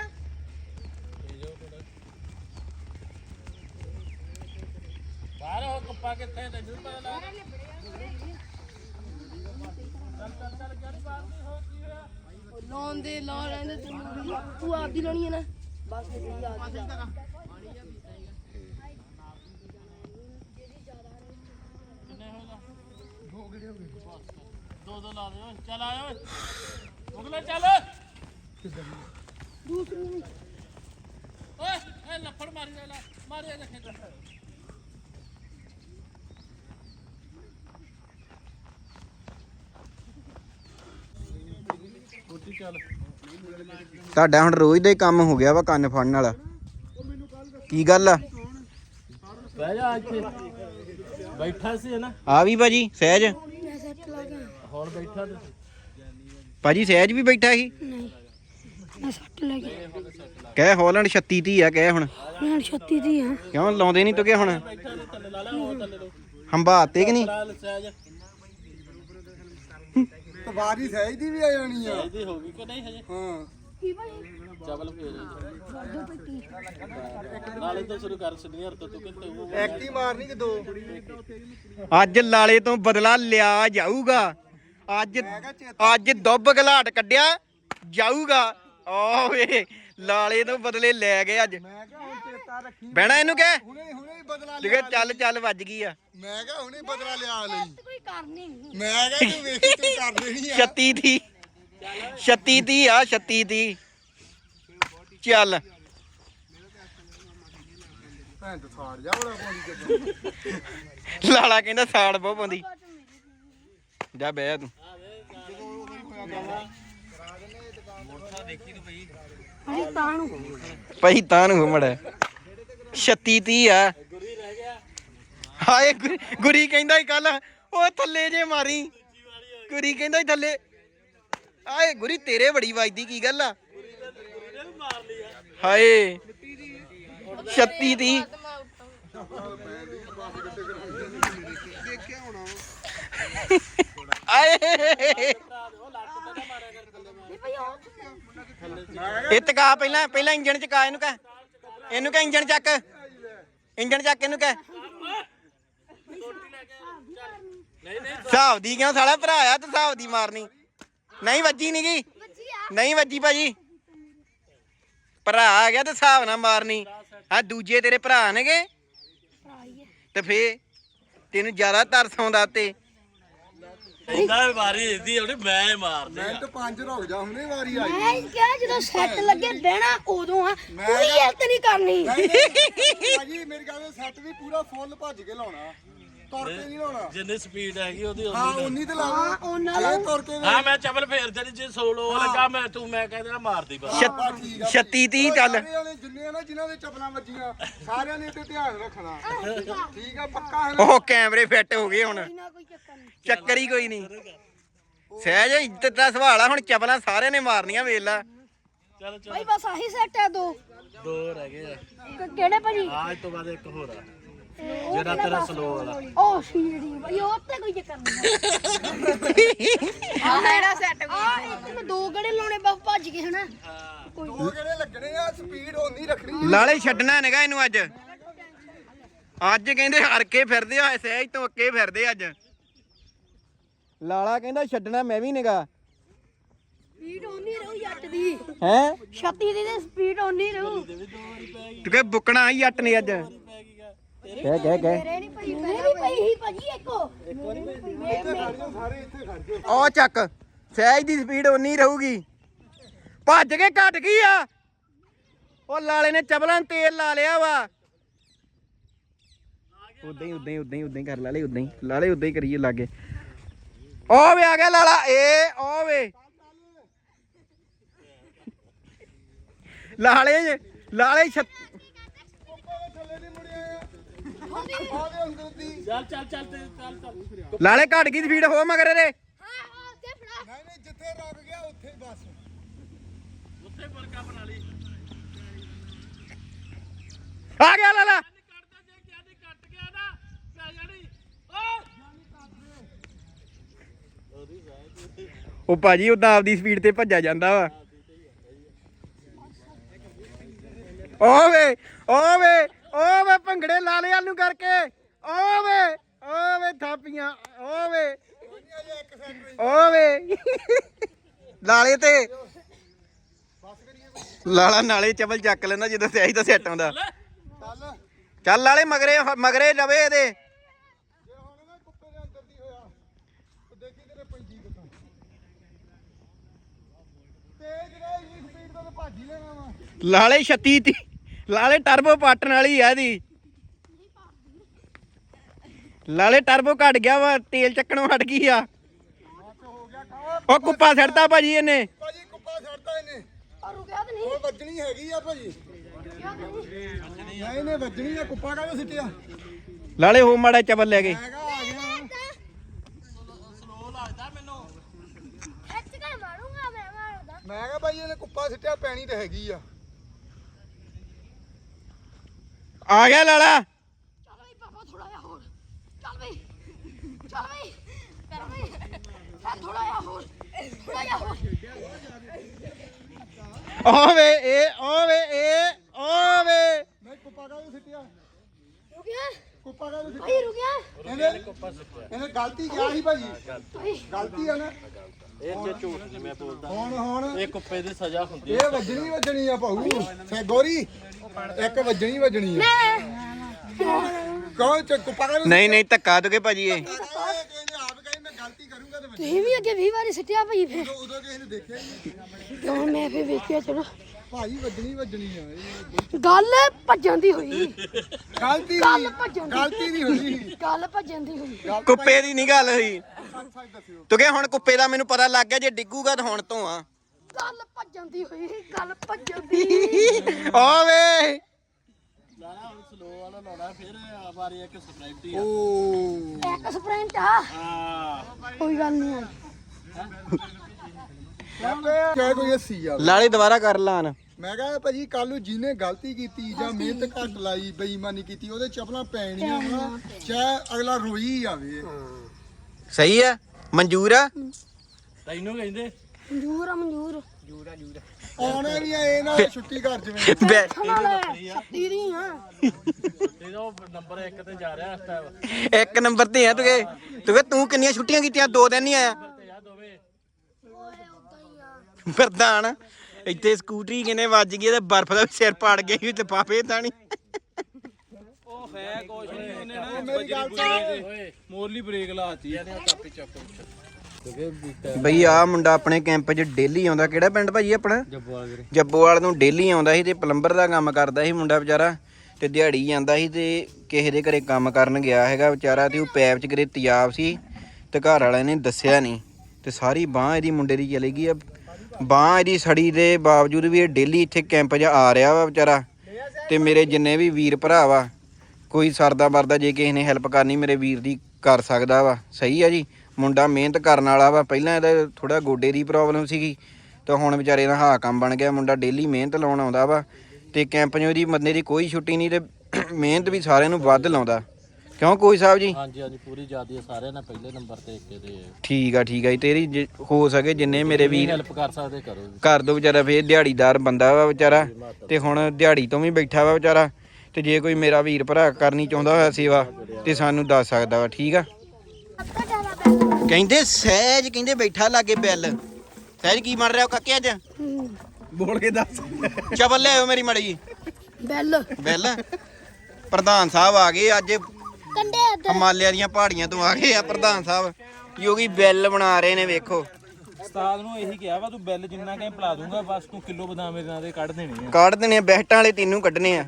Speaker 2: ਬਾਹਰ ਉਹ ਕੁੱਪਾ ਕਿੱਥੇ ਤੈਨੂੰ ਨੀ ਪਤਾ ਲੱਗਦਾ ਚੱਲ ਚੱਲ ਚੱਲ ਕਿਹੜੀ ਬਾਤ ਨਹੀਂ ਹੋ ਕੀ ਹੋਇਆ
Speaker 3: ਲੋਨ ਦੇ ਲਾ ਲੈਂਦੇ ਤੂੰ ਤੂੰ ਆਪਦੀ ਲਾਉਣੀ ਹੈ ਨਾ ਬਸ ਤੇਰੀ ਆਪਦੀ ਲਾ
Speaker 2: ਕਿੰਨੇ ਹੋਗਾ ਦੋ ਗੜੇ ਹੋ ਗਏ ਦੋ ਦੋ ਲਾ ਦੇ ਓਏ ਚੱਲ ਆਏ ਓਏ ਉਗਲੇ ਚੱਲ
Speaker 3: ਦੂਸਰੀ
Speaker 2: ਓਏ ਇਹ ਲੱਫੜ ਮਾਰੀ ਜਾ ਲੈ ਮਾਰੀ ਜਾ ਖੇਤ ਕੋਟੀ ਚੱਲ
Speaker 1: ਤੁਹਾਡਾ ਹੁਣ ਰੋਜ਼ ਦਾ ਹੀ ਕੰਮ ਹੋ ਗਿਆ ਵਾ ਕੰਨ ਫੜਨ ਵਾਲਾ ਕੀ ਗੱਲ ਆ
Speaker 2: ਬਹਿ ਜਾ ਇੱਥੇ ਬੈਠਾ ਸੀ ਨਾ
Speaker 1: ਆ ਵੀ ਭਾਜੀ ਸਹਿਜ
Speaker 3: ਮੈਂ ਸੈੱਟ ਲਾ ਕੇ
Speaker 2: ਹੁਣ ਬੈਠਾ ਤੇ
Speaker 1: ਭਾਜੀ ਸਹਿਜ ਵੀ ਬੈਠਾ ਸੀ
Speaker 3: ਨਹੀਂ ਮੈਂ ਸੱਟ ਲੈ ਕੇ
Speaker 1: ਕਹਿ ਹਾਲੈਂਡ ਛੱਤੀ ਤੀ ਆ ਕਹਿ ਹੁਣ
Speaker 3: ਮੈਂ ਛੱਤੀ ਦੀ ਹਾਂ
Speaker 1: ਕਿਉਂ ਲਾਉਂਦੇ ਨਹੀਂ ਤੁਗੇ ਹੁਣ
Speaker 2: ਬੈਠਾ ਤੇ ਥੱਲੇ ਲਾ ਲੈ ਹੋਰ ਥੱਲੇ ਲੋ
Speaker 1: ਹੰਬਾਤੇ ਕਿ ਨਹੀਂ
Speaker 2: ਨਾਲ ਸਹਿਜ
Speaker 5: ਤਵਾਰੀ ਸਹਿਜ ਦੀ ਵੀ ਆ ਜਾਣੀ ਆ
Speaker 2: ਇਹਦੀ ਹੋ ਗਈ ਕਿ ਨਹੀਂ ਹਜੇ
Speaker 5: ਹਾਂ
Speaker 3: ਕੀ ਭਾਈ
Speaker 2: ਚਵਲ ਫੇਰ ਲਾਲੇ ਤੋਂ ਸ਼ੁਰੂ ਕਰ ਸੀਨੀਅਰ ਤੋਂ ਤੂੰ ਕਿੱਥੇ ਉਹ
Speaker 5: ਐਕਟੀ ਮਾਰਨੀ ਕਿ ਦੋ
Speaker 1: ਅੱਜ ਲਾਲੇ ਤੋਂ ਬਦਲਾ ਲਿਆ ਜਾਊਗਾ। ਅੱਜ ਅੱਜ ਦੁੱਬ ਘਲਾਟ ਕੱਢਿਆ ਜਾਊਗਾ। ਓਏ ਲਾਲੇ ਤੋਂ ਬਦਲੇ ਲੈ ਗਏ ਅੱਜ।
Speaker 5: ਮੈਂ ਕਿਹਾ ਹੁਣ ਚੇਤਾ ਰੱਖੀ
Speaker 1: ਬਹਿਣਾ ਇਹਨੂੰ ਕਹਿ
Speaker 5: ਹੁਣੇ ਹੁਣੇ ਹੀ ਬਦਲਾ
Speaker 1: ਠੀਕ ਹੈ ਚੱਲ ਚੱਲ ਵੱਜ ਗਈ ਆ।
Speaker 5: ਮੈਂ ਕਿਹਾ ਹੁਣੇ ਬਦਲਾ ਲਿਆ ਲਈ
Speaker 3: ਕੋਈ ਕਰਨੀ ਨਹੀਂ।
Speaker 5: ਮੈਂ ਕਿਹਾ ਤੂੰ ਵੇਖੀ ਤੂੰ ਕਰ ਦੇਣੀ ਆ
Speaker 1: ਛੱਤੀ ਦੀ ਛੱਤੀ ਦੀ ਆ ਛੱਤੀ ਦੀ ਚੱਲ
Speaker 5: ਭੈਣ ਤੋਂ ਸਾੜ ਜਾ ਬੜਾ ਪਾਣੀ ਚ
Speaker 1: ਲਾਲਾ ਕਹਿੰਦਾ ਸਾੜ ਬਹੁਤ ਪਾਉਂਦੀ ਜਾ ਬਹਿ ਤੂੰ
Speaker 3: ਅਰੇ ਤਾਂ ਨੂੰ
Speaker 1: ਪਈ ਤਾਂ ਨੂੰ ਘੁੰਮੜ ਛੱਤੀ ਤੀਹ ਆ ਹਾਏ ਗੁਰੀ- ਗੁਰੀ ਕਹਿੰਦਾ ਹੀ ਕੱਲ ਉਹ ਥੱਲੇ ਜੇ ਮਾਰੀ ਗੁਰੀ ਕਹਿੰਦਾ ਹੀ ਥੱਲੇ ਆਏ ਗੁਰੀ ਤੇਰੇ ਬੜੀ ਵੱਜਦੀ ਕੀ ਗੱਲ ਆ ਹਾਏ ਛੱਤੀ ਤੀਹ ਆਏ ਇਹ ਟਕਾ ਪਹਿਲਾਂ ਪਹਿਲਾਂ ਇੰਜਣ ਚ ਕਾ ਇਹਨੂੰ ਕਹਿ ਇਹਨੂੰ ਕਹਿ ਇੰਜਣ ਚੱਕ ਇੰਜਣ ਚੱਕ ਇਹਨੂੰ ਕਹਿ ਹਿਸਾਬ ਦੀ ਕਿਉਂ ਸਾਲਾ ਭਰਾ ਆ ਤੂੰ ਹਿਸਾਬ ਦੀ ਮਾਰਨੀ ਨਹੀਂ ਵੱਜੀ ਨੀ ਗੀ ਨਹੀਂ ਵੱਜੀ ਭਾਜੀ ਭਰਾ ਆ ਗਿਆ ਤੇ ਹਿਸਾਬ ਨਾਲ ਮਾਰਨੀ ਆ ਦੂਜੇ ਤੇਰੇ ਭਰਾ ਨੇਗੇ ਤੇ ਫੇ ਤੈਨੂੰ ਜ਼ਿਆਦਾ ਤਰਸ ਆਉਂਦਾ ਤੇ
Speaker 2: ਇੰਦਾ ਵਾਰੀ ਇਹਦੀ ਉਹਨੇ ਮੈਂ ਮਾਰਦੇ
Speaker 5: ਮਿੰਟ ਪੰਜ ਰੁਕ ਜਾ ਹੁਣੇ ਵਾਰੀ ਆਈ
Speaker 3: ਮੈਂ ਕਿਹਾ ਜਦੋਂ ਸੈੱਟ ਲੱਗੇ ਬਹਿਣਾ ਉਦੋਂ ਆ ਕੋਈ ਹੈਲਪ ਨਹੀਂ ਕਰਨੀ।
Speaker 5: ਭਾਜੀ ਮੇਰੀ ਗੱਲ ਸੈੱਟ ਵੀ ਪੂਰਾ ਫੁੱਲ ਭੱਜ ਕੇ ਲਾਉਣਾ ਤੁਰ ਕੇ ਨਹੀਂ ਲਾਉਣਾ
Speaker 2: ਜਿੰਨੀ ਸਪੀਡ ਹੈਗੀ ਉਹਦੀ
Speaker 5: ਹਾਂ
Speaker 2: ਉਨੀ
Speaker 5: ਉਨੀ ਤੇ
Speaker 3: ਹਾਂ
Speaker 5: ਲਾਉਣਾ
Speaker 3: ਉਹਨਾਂ
Speaker 5: ਇਹ ਤੁਰ ਕੇ
Speaker 2: ਹਾਂ ਮੈਂ ਚਵਲ ਫੇਰ ਦੇਣੀ ਜੇ ਸੋਲੋ ਲੱਗਾ ਮੈਂ ਤੂੰ ਮੈਂ ਕਹਿੰਦਾ ਮਾਰਦੀ ਬਸ
Speaker 1: ਛੱਤੀ ਤੀਹ ਚੱਲ
Speaker 5: ਸਾਰਿਆਂ ਨੇ ਜਿੰਨੇ ਆ ਨਾ ਜਿਨ੍ਹਾਂ ਦੇ ਚੱਪਲਾਂ ਵੱਜੀਆਂ ਸਾਰਿਆਂ ਨੇ ਤੇ ਧਿਆਨ ਰੱਖਣਾ ਠੀਕ ਆ ਪੱਕਾ ਹੈ ਨਾ
Speaker 1: ਉਹ ਕੈਮਰੇ ਫਿੱਟ ਹੋ ਗਏ ਹੁਣ
Speaker 3: ਨਾ ਕੋਈ ਚੱਕਰ ਨਹੀਂ।
Speaker 1: ਚੱਕਰ ਹੀ ਕੋਈ ਨਹੀਂ ਸਹਿਜ ਇੱਜ਼ਤ ਦਾ ਸਵਾਲ ਆ ਹੁਣ ਚਪਲਾਂ ਸਾਰਿਆਂ ਨੇ ਮਾਰਨੀਆਂ ਵੇਖ ਲਾ
Speaker 2: ਚਲ ਚਲ
Speaker 3: ਭਾਈ ਬਸ ਆਹੀ ਸੈੱਟ ਹੈ ਦੋ।
Speaker 2: ਦੋ ਰਹਿ ਗਏ ਆ
Speaker 3: ਕਿ- ਕਿਹੜੇ ਭਾਜੀ?
Speaker 2: ਆਹ ਇਸ ਤੋਂ ਬਾਅਦ ਇੱਕ ਹੋਰ ਆ
Speaker 3: ਉਹ
Speaker 2: ਜਿਹੜਾ
Speaker 3: ਕਿਹੜਾ
Speaker 2: ਤੇਰਾ
Speaker 3: ਬਸ?
Speaker 2: ਸਲੋ ਵਾਲਾ
Speaker 3: ਉਹ ਸੀੜੀ ਭਾਈ ਉਹ ਤੇ ਕੋਈ ਚੱਕਰ ਨਹੀਂ। ਆਹ ਕਿਹੜਾ ਸੈੱਟ ਆ ਇੱਕ ਮੈਂ ਦੋ ਗੜੇ ਲਾਉਣੇ ਬਸ ਭੱਜ ਕੇ ਹਨਾ ਕੋਈ
Speaker 5: ਦੋ ਕਿਹੜੇ ਲੱਗਣੇ ਆ ਸਪੀਡ ਹੋਣੀ ਰੱਖਣੀ
Speaker 1: ਲਾਲੇ ਛੱਡਣਾ ਨੇਗਾ ਇਹਨੂੰ ਅੱਜ ਅੱਜ ਕਹਿੰਦੇ ਹਰ ਕੇ ਫਿਰਦੇ ਆ ਸਹਿਜ ਤੋਂ ਅੱਕੇ ਫਿਰਦੇ ਅੱਜ ਲਾਲਾ ਕਹਿੰਦਾ ਛੱਡਣਾ ਮੈਂ ਵੀ ਨੇਗਾ
Speaker 3: ਸਪੀਡ ਓਨੀ ਰਹੂ ਜੱਟ ਦੀ
Speaker 1: ਹੈ
Speaker 3: ਛੱਤੀ ਦੀ ਤੇ ਸਪੀਡ ਓਨੀ ਰਹੂ।
Speaker 1: ਤੂੰ ਕਿ ਬੁੱਕਣਾ ਹੀ ਜੱਟ ਨੇ ਅੱਜ ਕਹਿ ਕਹਿ ਕਹਿ
Speaker 3: ਮੇਰੇ ਨਹੀਂ ਪਈ ਮੇਰੇ ਪਈ ਹੀ ਭਾਜੀ ਇੱਕੋ
Speaker 5: ਸਾਰੇ ਇੱਥੇ ਖੜ ਜਾਓ
Speaker 1: ਉਹ ਚੱਕ ਸਹਿਜ ਦੀ ਸਪੀਡ ਉਨੀ ਰਹੂਗੀ ਭੱਜ ਕੇ ਘਟ ਗਈ ਆ ਉਹ ਲਾਲੇ ਨੇ ਚਪਲਾਂ ਨੂੰ ਤੇਲ ਲਾ ਲਿਆ ਵਾ ਉਦਾਂ ਹੀ ਉਦਾਂ ਹੀ ਉਦਾਂ ਹੀ ਉਦਾਂ ਹੀ ਕਰ ਲਾਲੇ ਉਦਾਂ ਹੀ ਲਾਲੇ ਉਦਾਂ ਹੀ ਕਰੀਏ ਲਾਗੇ ਉਹ ਵੇ ਆ ਗਿਆ ਲਾਲਾ ਏ ਉਹ ਵੇ ਲਾਲੇ ਜੇ- ਲਾਲੇ ਛੱਤ
Speaker 5: ਥੱਲੇ ਨਹੀਂ ਮੁੜਿਆ ਆਦੇ ਅੰਦਰ ਦੀ
Speaker 2: ਚੱਲ ਚੱਲ ਚੱਲ ਤੇ ਚੱਲ ਚੱਲ
Speaker 1: ਲਾਲੇ ਘਟ ਗਈ ਸਪੀਡ ਹੋ ਮਗਰ ਇਹਦੇ
Speaker 3: ਹਾਂ ਹਾਂ ਤੇ ਫੜਾ
Speaker 5: ਨਹੀਂ ਨਹੀਂ ਜਿੱਥੇ ਰੁਕ ਗਿਆ ਉੱਥੇ ਹੀ ਬਸ
Speaker 2: ਉੱਥੇ ਬਰਕਾ ਬਣਾ ਲਈ
Speaker 1: ਆ ਗਿਆ ਲਾਲਾ
Speaker 2: ਕੱਟਦਾ ਜੇ ਜਿਆਦਾ ਕੱਟ ਗਿਆ ਨਾ ਪੈ ਜਾਣੀ ਓ
Speaker 1: ਉਹ ਭਾਜੀ ਉਦਾਂ ਆਪਦੀ ਸਪੀਡ ਤੇ ਭੱਜਾ ਜਾਂਦਾ ਵਾ ਓਵੇ ਓਵੇ ਓਵੇ ਭੰਗੜੇ ਲਾਲੇ ਵੱਲ ਨੂੰ ਕਰਕੇ ਓਵੇ ਓਵੇ ਥਾਪੀਆਂ ਓਵੇ ਓਵੇ ਲਾਲੇ ਤੇ ਲਾਲਾ ਨਾਲੇ ਚਪਲ ਚੱਕ ਲੈਂਦਾ ਜਦੋਂ ਸਿਆਹੀ ਤਾਂ ਸੈੱਟ ਆਉਂਦਾ
Speaker 5: ਚੱਲ
Speaker 1: ਚੱਲ ਲਾਲੇ ਮਗਰੇ ਮਗਰੇ ਲਵੇ ਇਹਦੇ
Speaker 5: ਜੇ ਹੁਣ ਨਾ ਕੁੱਤੇ ਦੇ ਅੰਦਰ ਦੀ ਹੋਇਆ ਤੇ ਦੇਖੀ ਤੇਰੇ ਪੰਜੀ ਕਿੱਥੋਂ ਤੇਜ਼ ਰਹਿ ਇੰਨੀ ਸਪੀਡ ਤੋਂ ਤਾਂ ਭੱਜ ਹੀ ਲੈਣਾ ਵਾ
Speaker 1: ਲਾਲੇ ਛੱਤੀ ਤੀ ਲਾਲੇ ਟਰਬੋ ਪਾਟਣ ਵਾਲੀ ਆ ਇਹਦੀ ਲਾਲੇ ਟਰਬੋ ਘਟ ਗਿਆ ਵਾ ਤੇਲ ਚੱਕਣੋਂ ਹਟ ਗਈ ਆ
Speaker 5: ਬਸ ਹੋ ਗਿਆ ਖਾ
Speaker 1: ਉਹ ਕੁੱਪਾ ਛੱਡਤਾ ਭਾਜੀ ਇਹਨੇ
Speaker 5: ਭਾਜੀ ਕੁੱਪਾ ਛੱਡਤਾ ਇਹਨੇ
Speaker 3: ਆ ਰੁਕਿਆ ਤੇ ਨਹੀਂ
Speaker 5: ਉਹ ਵੱਜਣੀ ਹੈਗੀ ਆ ਭਾਜੀ ਨਹੀਂ ਨੇ ਵੱਜਣੀ ਆ ਕੁੱਪਾ ਕਾਹਦੇ ਸਿੱਟਿਆ
Speaker 1: ਲਾਲੇ ਹੋ ਮਾੜਾ ਚਪਲ ਲੈ ਕੇ
Speaker 5: ਹੈਗਾ ਆ ਗਿਆ
Speaker 2: ਸਲੋ ਲੱਗਦਾ ਮੈਨੂੰ
Speaker 3: ਖਿੱਚ ਕੇ ਮਾਰੂੰਗਾ ਮੈਂ ਮਾਰਦਾ।
Speaker 5: ਮੈਂ ਕਿਹਾ ਭਾਈ ਇਹਨੇ ਕੁੱਪਾ ਸਿੱਟਿਆ ਪੈਣੀ ਤੇ ਹੈਗੀ ਆ
Speaker 1: ਆ ਗਿਆ ਲਾਲਾ
Speaker 3: ਚੱਲ ਬਈ ਪਾਪਾ ਥੋੜਾ ਜਿਹਾ ਹੋਰ ਚੱਲ ਬਈ ਚੱਲ ਬਈ ਕਰ ਬਈ ਥੋੜਾ ਜਿਹਾ ਹੋਰ ਥੋੜਾ ਜਿਹਾ ਹੋਰ
Speaker 1: ਓਵੇ ਇਹ ਓਵੇ ਇਹ ਓਵੇ
Speaker 5: ਮੈਂ ਕੁੱਪਾ ਕਾ ਸਿੱਟਿਆ
Speaker 3: ਰੁਕਿਆ
Speaker 5: ਕੁੱਪਾ ਕਾ ਸਿੱਟਿਆ
Speaker 3: ਭਾਈ ਰੁਕਿਆ
Speaker 5: ਇਹਨੇ ਇਹਨੇ ਗਲਤੀ ਕਿਹਾ ਸੀ ਭਾਜੀ ਗਲਤੀ ਆ ਨਾ
Speaker 2: ਇਹ ਜੇ ਝੂਠ ਨਹੀਂ ਮੈਂ ਬੋਲਦਾ
Speaker 5: ਹੁਣ ਹੁਣ
Speaker 2: ਇਹ ਕੁੱਪੇ ਦੀ ਸਜ਼ਾ ਹੁੰਦੀ
Speaker 5: ਇਹ ਵੱਜਣੀ ਵੱਜਣੀ ਆ ਭਾਊ ਫੇ ਗੋਰੀ ਇੱਕ ਵੱਜਣੀ ਵੱਜਣੀ ਆ ਕੌਣ ਚ ਕੁੱਪਾ ਕਾ
Speaker 1: ਨਹੀਂ ਨਹੀਂ ਧੱਕਾ ਦੋਗੇ ਭਾਜੀ ਇਹ
Speaker 5: ਕਹਿੰਦੇ ਆਪ ਕਹੀ ਮੈਂ ਗਲਤੀ ਕਰੂੰਗਾ ਤੇ
Speaker 3: ਤੁਸੀਂ ਵੀ ਅੱਗੇ ਵੀਹ ਵਾਰੀ ਸਿੱਟਿਆ ਭਾਈ ਫਿਰ
Speaker 5: ਉਦੋਂ ਉਦੋਂ ਕਿਸੇ ਨੇ ਦੇਖਿਆ ਹੀ ਨਹੀਂ
Speaker 3: ਕਿਉਂ ਮੈਂ ਫਿਰ ਵੇਖਿਆ ਚਲੋ
Speaker 5: ਭਾਈ ਵੱਜਣੀ ਵੱਜਣੀ ਆ ਇਹ
Speaker 3: ਗੱਲ ਭੱਜਣ ਦੀ ਹੋਈ
Speaker 5: ਗਲਤੀ
Speaker 3: ਗੱਲ
Speaker 5: ਨਹੀਂ
Speaker 3: ਭੱਜਣ ਦੀ
Speaker 5: ਗਲਤੀ ਨਹੀਂ ਹੋਈ
Speaker 3: ਗੱਲ ਭੱਜਣ ਦੀ ਹੋਈ
Speaker 1: ਕੁੱਪੇ ਦੀ ਨਹੀਂ ਗੱਲ ਹੋਈ
Speaker 5: ਸੱਚ ਸੱਚ ਦੱਸਿਓ
Speaker 1: ਤੂੰ ਕਿ ਹੁਣ ਕੁੱਪੇ ਦਾ ਮੈਨੂੰ ਪਤਾ ਲੱਗ ਗਿਆ ਜੇ ਡਿੱਗੂਗਾ ਤਾਂ ਹੁਣ ਤੋਂ ਆ
Speaker 3: ਗੱਲ ਭੱਜਣ ਦੀ ਹੋਈ ਗੱਲ ਭੱਜਣ ਦੀ
Speaker 1: ਓਵੇ
Speaker 2: ਲਾਣਾ ਹੁਣ ਸਲੋ ਵਾਲਾ ਲਾਉਣਾ ਫਿਰ ਵਾਰੀ ਇੱਕ ਸਬਸਕ੍ਰਾਈਬ ਦੀ
Speaker 5: ਓ
Speaker 3: ਇੱਕ ਸਪ੍ਰਿੰਟ ਆ
Speaker 2: ਹਾਂ
Speaker 3: ਕੋਈ ਗੱਲ ਨਹੀਂ ਆ
Speaker 5: ਕਿਆ ਕੋਈ ਅੱਸੀ ਆ
Speaker 1: ਲਾਲੇ ਦੁਬਾਰਾ ਕਰ ਲਾਨ
Speaker 5: ਮੈਂ ਕਹਾਂ ਭਾਜੀ ਕੱਲ ਨੂੰ ਜਿਹਨੇ ਗਲਤੀ ਕੀਤੀ ਜਾਂ ਮਿਹਨਤ ਘੱਟ ਲਾਈ ਬੇਈਮਾਨੀ ਕੀਤੀ ਉਹਦੇ ਚਪਲਾਂ ਪੈਣੀਆਂ ਵਾ ਚਾਹੇ ਅਗਲਾ ਰੋਈ ਜਾਵੇ
Speaker 1: ਸਹੀ ਆ ਮਨਜ਼ੂਰ ਆ
Speaker 2: ਤੈਨੂੰ ਕਹਿੰਦੇ
Speaker 3: ਮਨਜ਼ੂਰ ਆ ਮਨਜ਼ੂਰ
Speaker 5: ਆਉਣੇ ਵੀ ਆ ਇਹ ਨਾ ਛੁੱਟੀ ਘਰ ਜਿਵੇਂ
Speaker 1: ਬੈ-
Speaker 3: ਛੱਤੀ ਦੀ ਆ
Speaker 2: ਇਹਦਾ ਨੰਬਰ ਇੱਕ ਤੇ ਜਾ ਰਿਹਾ ਇਸ ਟਾਈਮ
Speaker 1: ਇੱਕ ਨੰਬਰ ਤੇ ਆ ਤੂੰ ਕਿ ਤੂੰ ਕਿ ਤੂੰ ਕਿੰਨੀਆਂ ਛੁੱਟੀਆਂ ਕੀਤੀਆਂ ਦੋ ਦਿਨ ਨਹੀਂ ਆਇਆ
Speaker 2: ਤੇ ਆ ਦੋਵੇਂ
Speaker 1: ਪ੍ਰਧਾਨ ਇੱਥੇ ਸਕੂਟਰੀ ਕਿਨੇ ਵੱਜ ਗਈ ਤੇ ਬਰਫ਼ ਦਾ ਸਿਰ ਪਾੜ ਗਿਆ ਸੀ ਤੇ ਪਾਪੇ ਤਾਂ ਨਹੀਂ
Speaker 2: ਉਹ ਹੈ ਕੁਛ ਨਹੀਂ ਉਹਨੇ ਨਾ
Speaker 5: ਮੇਰੀ ਗੱਲ ਸੁਣ
Speaker 2: ਓਏ ਮੋਰਲੀ ਬ੍ਰੇਕ ਲਾਤੀ ਇਹਨੇ ਕਾਪੀ ਚੱਕ
Speaker 1: ਬਈ ਆ ਮੁੰਡਾ ਆਪਣੇ ਕੈਂਪ 'ਚ ਡੇਲੀ ਆਉਂਦਾ ਕਿਹੜਾ ਪਿੰਡ ਭਾਜੀ ਆਪਣਾ
Speaker 2: ਜੱਬੋਵਾਲ ਵੀਰੇ
Speaker 1: ਜੱਬੋਵਾਲ ਨੂੰ ਡੇਲੀ ਆਉਂਦਾ ਸੀ ਤੇ ਪਲੰਬਰ ਦਾ ਕੰਮ ਕਰਦਾ ਸੀ ਮੁੰਡਾ ਵਿਚਾਰਾ ਤੇ ਦਿਹਾੜੀ ਜਾਂਦਾ ਸੀ ਤੇ ਕਿਸੇ ਦੇ ਘਰੇ ਕੰਮ ਕਰਨ ਗਿਆ ਹੈਗਾ ਵਿਚਾਰਾ ਤੇ ਉਹ ਪੈਪ 'ਚ ਕਿਤੇ ਤਿਆਬ ਸੀ ਤੇ ਘਰ ਵਾਲਿਆਂ ਨੇ ਦੱਸਿਆ ਨਹੀਂ ਤੇ ਸਾਰੀ ਬਾਂਹ ਇਹਦੀ ਮੁੰਡੇ ਦੀ ਚਲੀ ਗਈ ਆ ਬਾਂਹ ਇਹਦੀ ਸੜੀ ਦੇ ਬਾਵਜੂਦ ਵੀ ਇਹ ਡੇਲੀ ਇੱਥੇ ਕੈਂਪ 'ਚ ਆ ਰਿਹਾ ਵਾ ਵਿਚਾਰਾ ਤੇ ਮੇਰੇ ਜਿੰਨੇ ਵੀ ਵੀਰ ਭਰਾ ਵਾ ਕੋਈ ਸਰਦਾ ਵਰਦਾ ਜੇ ਕਿਸੇ ਨੇ ਹੈਲਪ ਕਰਨੀ ਮੇਰੇ ਵੀਰ ਦੀ ਕਰ ਸਕਦਾ ਵਾ ਸਹੀ ਆ ਜੀ ਮੁੰਡਾ ਮਿਹਨਤ ਕਰਨ ਵਾਲਾ ਵਾ ਪਹਿਲਾਂ ਇਹਦਾ ਥੋੜਾ ਗੋਡੇ ਦੀ ਪ੍ਰੋਬਲਮ ਸੀਗੀ ਤਾਂ ਹੁਣ ਵਿਚਾਰੇ ਦਾ ਹਾਂ ਕੰਮ ਬਣ ਗਿਆ ਮੁੰਡਾ ਡੇਲੀ ਮਿਹਨਤ ਲਾਉਣ ਆਉਂਦਾ ਵਾ ਤੇ ਕੈਂਪ 'ਚ ਉਹਦੀ ਬੰਦੇ ਦੀ ਕੋਈ ਛੁੱਟੀ ਨਹੀਂ ਤੇ ਮਿਹਨਤ ਵੀ ਸਾਰਿਆਂ ਨੂੰ ਵੱਧ ਲਾਉਂਦਾ ਕਿਉਂ ਕੋਈ ਸਾਹਿਬ ਜੀ
Speaker 2: ਹਾਂਜੀ ਹਾਂਜੀ ਪੂਰੀ ਜਿਆਦੀ ਸਾਰਿਆਂ ਨੇ ਪਹਿਲੇ ਨੰਬਰ ਤੇ ਇੱਕ ਇਹਦੇ
Speaker 1: ਠੀਕ ਆ ਠੀਕ ਆ ਜੀ ਤੇਰੀ ਜੇ ਹੋ ਸਕੇ ਜਿੰਨੇ ਮੇਰੇ ਵੀਰ
Speaker 2: ਹੈਲਪ ਕਰ ਸਕਦੇ ਕਰੋ ਜੀ।
Speaker 1: ਘਰ ਦੋ ਵਿਚਾਰਾ ਫੇਰ ਦਿਹਾੜੀਦਾਰ ਬੰਦਾ ਵਾ ਵਿਚਾਰਾ ਤੇ ਹੁਣ ਦਿਹਾੜੀ ਤੋਂ ਵੀ ਬੈਠਾ ਵਾ ਵਿਚਾਰਾ ਤੇ ਜੇ ਕੋਈ ਮੇਰਾ ਵੀਰ ਭਰਾ ਕਰਨੀ ਚਾਹੁੰਦਾ ਹੋਇਆ ਸੇਵਾ ਤੇ ਸਾਨੂੰ ਦੱਸ ਸਕਦਾ ਵਾ ਠੀਕ ਆ ਕਹਿੰਦੇ ਸਹਿਜ ਕਹਿੰਦੇ ਬੈਠਾ ਲਾਗੇ ਬੈਲ ਸਹਿਜ ਕੀ ਮਰ ਰਿਹਾ ਉਹ ਕਾਕੇ ਅੱਜ
Speaker 4: ਬੋਲ ਕੇ ਦੱਸ
Speaker 1: ਚਬਲ ਲੈ ਆਓ ਮੇਰੀ ਮੜੀ ਜੀ
Speaker 3: ਬੈਲ
Speaker 1: ਬੈਲ ਪ੍ਰਧਾਨ ਸਾਹਿਬ ਆ ਗਏ ਅੱਜ
Speaker 3: ਕੰਡੇ ਇੱਧਰ
Speaker 1: ਹਿਮਾਲਿਆ ਦੀਆਂ ਪਹਾੜੀਆਂ ਤੋਂ ਆ ਗਏ ਆ ਪ੍ਰਧਾਨ ਸਾਹਿਬ ਯੋਗੀ ਬੈਲ ਬਣਾ ਰਹੇ ਨੇ ਵੇਖੋ
Speaker 6: ਉਸਤਾਦ ਨੂੰ ਇਹੀ ਕਿਹਾ ਵਾ ਤੂੰ ਬਿੱਲ ਜਿੰਨਾ ਕਹੀਂ ਪਿਲਾ ਦੂੰਗਾ ਬਸ ਤੂੰ ਕਿਲੋ ਬਦਾਮ ਮੇਰੇ ਨਾਲ ਦੇ ਕੱਢ ਦੇਣੇ ਆ
Speaker 1: ਕੱਢ ਦੇਣੇ ਆ, ਬੈਸਟਾਂ ਵਾਲੇ ਤੈਨੂੰ ਕੱਢਣੇ ਆ